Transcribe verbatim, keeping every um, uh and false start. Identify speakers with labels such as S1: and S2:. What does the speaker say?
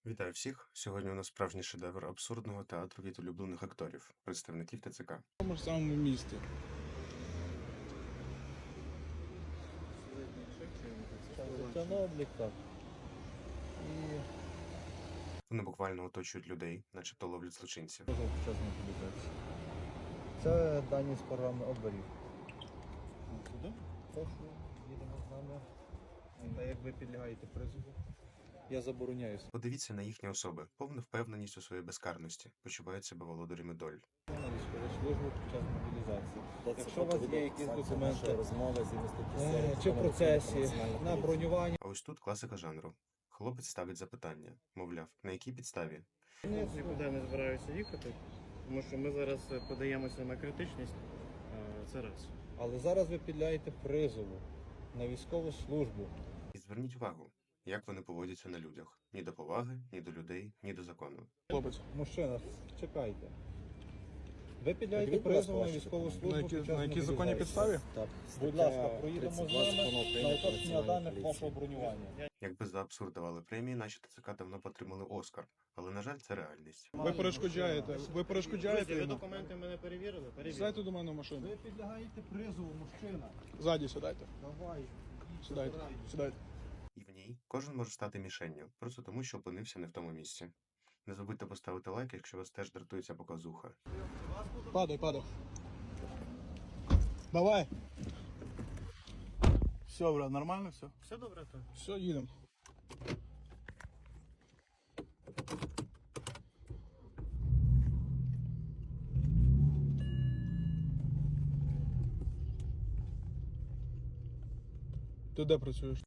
S1: Вітаю всіх! Сьогодні у нас справжній шедевр абсурдного театру від улюблених акторів, представників ТЦК.
S2: В тому ж самому місті.
S3: Це на облік, так. І
S1: Вони буквально оточують людей, начебто ловлять злочинців.
S3: дуже вчасно публікація. Це дані з програми оберів.
S2: Сюди?
S3: Прошу, їдемо з нами. Та як ви підлягаєте призову, я забороняю
S1: Подивіться на їхні особи, повну впевненість у своїй безкарності, почувають себе володарями доль.
S3: на військову службу під час мобілізації. Якщо у вас є якісь документи
S4: розмови з
S3: е, чи в процесі, на бронювання,
S1: А ось тут класика жанру. Хлопець ставить запитання, мовляв, на якій підставі?
S5: Нікуди не збираюся їхати, тому що ми зараз подаємося на критичність. е, Це раз.
S3: але зараз ви підлягаєте призову на військову службу.
S1: І зверніть увагу, як вони поводяться на людях. Ні до поваги, ні до людей, ні до закону.
S2: Хлопець.
S3: Мужчина, чекайте. Ви підлягаєте призову на військову службу
S2: На які,
S3: під час
S2: на якій законній
S3: мобілізації.
S2: підставі?
S4: Так,
S3: Будь ласка, проїдемо з нами на уточнення даних вашого бронювання.
S1: Якби за абсурд давали премії, наші ТЦК давно б отримали Оскар. Але, на жаль, це реальність.
S2: Ви перешкоджаєте. Ви перешкоджаєте
S5: Друзі, ви
S2: йому.
S5: документи мене перевірили? Перевірили.
S2: Сідайте до мене в машину.
S3: Ви підлягаєте призову, мужчина.
S2: Ззаді сідайте.
S3: Давай.
S2: Сідайте. Сідайте.
S1: І в ній кожен може стати мішенню, просто тому, що опинився не в тому місці. Не забудьте поставити лайк, якщо вас теж дратує ця показуха.
S2: Падай, падай. Давай. Все, брат, нормально все?
S5: Все добре, то?
S2: Все, їдемо. Ти де працюєш?